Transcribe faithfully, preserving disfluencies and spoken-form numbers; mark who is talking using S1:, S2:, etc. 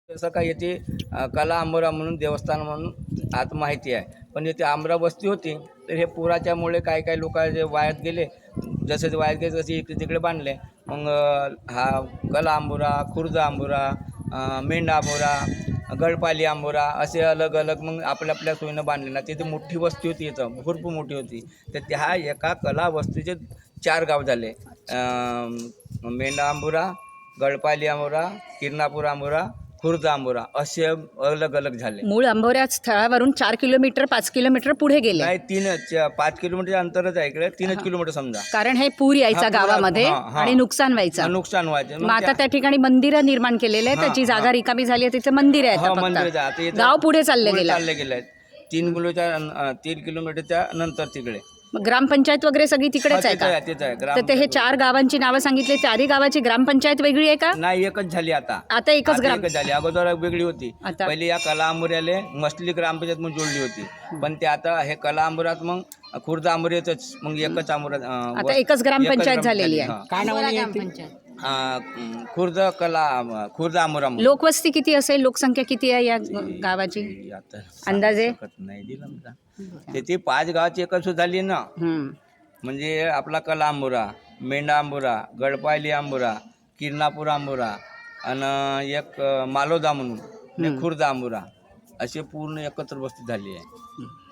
S1: जसं काय येथे अ, कला आंबोरा म्हणून देवस्थान म्हणून आता माहिती आहे, पण येथे आंबरा वस्ती होती. तर हे पुराच्यामुळे काही काही लोक जे वायात गेले, जसे ते वायात गेले तसे इकडे तिकडे बांधले. मग अ, हा कला आंबोरा, खुर्द आंबोरा, अ, मेंढा आंबोरा, गडपाली आंबोरा असे अलग अलग मग आपल्या आपल्या सोयीनं बांधले ना. तिथे मोठी वस्ती होती, इथं भरपूर मोठी होती. तर त्या एका कला वस्तीचे चार गाव झाले. अ, मेंढा आंबोरा, गडपाली आंबोरा, किरणापूर आंबोरा, खुर्द आंबोरा असे अलग अलग झाले.
S2: मूळ आंबोऱ्या स्थळावरून चार किलोमीटर पाच किलोमीटर पुढे गेले,
S1: नाही तीनच पाच किलोमीटर अंतरच आहे इकडे, तीनच किलोमीटर समजा.
S2: कारण हे पूर
S1: हा,
S2: यायचा
S1: पुरा-
S2: गावामध्ये
S1: हा, हा.
S2: आणि नुकसान व्हायचं.
S1: हा, नुकसान व्हायचं.
S2: मग आता त्या ठिकाणी मंदिरं निर्माण केलेले आहे,
S1: हा,
S2: त्याची जागा
S1: हा.
S2: रिकामी झाली आहे, तिथे मंदिर आहे
S1: हा,
S2: आता
S1: मंदिर
S2: फक्त.
S1: आता इथं
S2: गाव पुढे चालले
S1: पुढे
S2: गेलं.
S1: चालले गेले आहेत. तीन किलोच्या अं, तीन किलोमीटरच्या नंतर तिकडे.
S2: मग ग्रामपंचायत वगैरे सगळी तिकडेच
S1: हा,
S2: आहे
S1: तिथं आहे,
S2: का?
S1: तिथं आहे.
S2: तर ते हे
S1: ग्राम
S2: चार गावांची नावं सांगितली, चारही गावाची ग्रामपंचायत वेगळी आहे का?
S1: नाही, एकच झाली आता.
S2: आता एकच
S1: आता
S2: ग्राम
S1: एकच झाली. अगोदर वेगळी होती.
S2: आता-
S1: पहिली या कला आंबोऱ्याले मसली ग्रामपंचायत म्हणून जोडली होती, पण ते आता हे कला आंबोऱ्यात मग खुर्द आंबोऱ्यातच मग एकच आंबोरा अं,
S2: आता
S1: वस-
S2: एकच ग्रामपंचायत
S1: एकच
S2: झालेली आहे.
S1: हा.
S3: काय नावाने येते?
S1: अं, खुर्द कला खुर्द आंबोरा म्हणून.
S2: लोकवस्ती किती असेल, लोकसंख्या किती आहे या गावाची
S1: ते आता
S2: अंदाजे?
S1: सांगू शकत नाही दिलं मला. ते ती पाच गावाची एकच झाली ना.
S2: हम्म.
S1: म्हणजे आपला कला आंबोरा, मेंढा आंबोरा, गडपायली आंबोरा, किरणापूर आंबोरा आणि एक अं, मालोदा म्हणून आणि खुर्द आंबोरा असे पूर्ण एकत्र वस्ती झाली आहे.